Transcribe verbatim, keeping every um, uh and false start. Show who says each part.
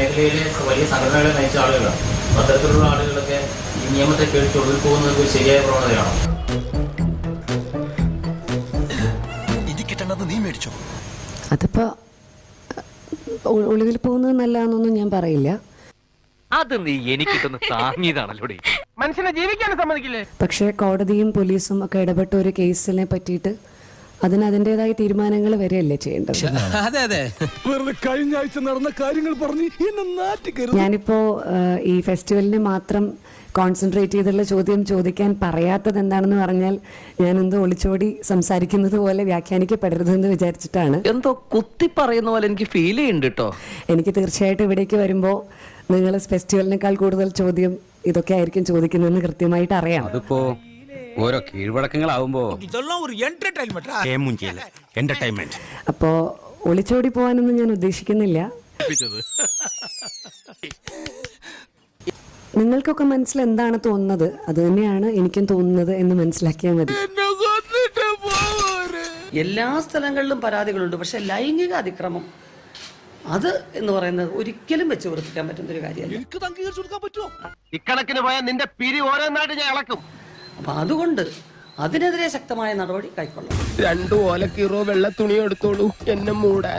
Speaker 1: മേഖലയിലെ വലിയ സംഘടനകളെ നയിച്ച ആളുകളാണ്. അത്തരത്തിലുള്ള ആളുകളൊക്കെ ഈ നിയമത്തെ കേട്ട് ഒളിവിൽ പോകുന്നത് ഒരു ശരിയായ പ്രവണതയാണോ?
Speaker 2: അതിപ്പോ ഒളിവിൽ പോകുന്നത് നല്ലതാണെന്നൊന്നും ഞാൻ പറയില്ല.
Speaker 3: അത് നീ എനിക്കിട്ടൊന്ന് താങ്ങിയതാണല്ലോ.
Speaker 4: മനുഷ്യനെ ജീവിക്കാനും സമ്മതിക്കില്ലേ?
Speaker 2: പക്ഷേ കോടതിയും പോലീസും ഒക്കെ ഇടപെട്ട ഒരു കേസിനെ പറ്റിയിട്ട് അതിന് അതിൻ്റെതായ തീരുമാനങ്ങൾ വരെയല്ലേ ചെയ്യേണ്ടത്.
Speaker 5: അതെ അതെ കഴിഞ്ഞ ആഴ്ച നടന്ന കാര്യങ്ങൾ പറഞ്ഞ്
Speaker 2: ഞാനിപ്പോ ഈ ഫെസ്റ്റിവലിനെ മാത്രം കോൺസെൻട്രേറ്റ് ചെയ്തുള്ള ചോദ്യം ചോദിക്കാൻ പറയാത്തത് എന്താണെന്ന് പറഞ്ഞാൽ ഞാൻ എന്തോ ഒളിച്ചോടി സംസാരിക്കുന്നത് പോലെ വ്യാഖ്യാനിക്കപ്പെടരുതെന്ന് വിചാരിച്ചിട്ടാണ്.
Speaker 6: എന്തോ കുത്തി പറയുന്ന പോലെ എനിക്ക് ഫീൽ ചെയ്യുന്നുണ്ട് കേട്ടോ.
Speaker 2: എനിക്ക് തീർച്ചയായിട്ടും ഇവിടേക്ക് വരുമ്പോൾ നിങ്ങൾ ഫെസ്റ്റിവലിനേക്കാൾ കൂടുതൽ ചോദ്യം ഇതൊക്കെ ആയിരിക്കും ചോദിക്കുന്നതെന്ന് കൃത്യമായിട്ട് അറിയാം.
Speaker 7: അതിപ്പോ ഓരോ കീഴ്വഴക്കങ്ങളാവുമ്പോ
Speaker 2: അപ്പോ ഒളിച്ചോടി പോകാനൊന്നും ഞാൻ ഉദ്ദേശിക്കുന്നില്ല. നിങ്ങൾക്കൊക്കെ മനസ്സിൽ എന്താണ് തോന്നുന്നത് അത് തന്നെയാണ് എനിക്കും തോന്നുന്നത് എന്ന് മനസ്സിലാക്കിയാൽ മതി.
Speaker 6: എല്ലാ സ്ഥലങ്ങളിലും പരാതികളുണ്ട്, പക്ഷെ ലൈംഗിക അതിക്രമം അത് എന്ന് പറയുന്നത് ഒരിക്കലും വെച്ച് ഉറപ്പിക്കാൻ പറ്റുന്ന ഒരു കാര്യമല്ല.
Speaker 4: ഇക്കണക്കിന് പോയാൽ നിന്റെ പിരി ഓരോന്നായിട്ട് ഞാൻ ഇളക്കും.
Speaker 6: അപ്പൊ അതുകൊണ്ട് അതിനെതിരെ ശക്തമായ നടപടി കൈക്കൊള്ളണം.
Speaker 4: രണ്ടു ഓലക്കീറോ വെള്ള തുണിയോ എടുത്തോളൂ എന്നെ മൂടാൻ.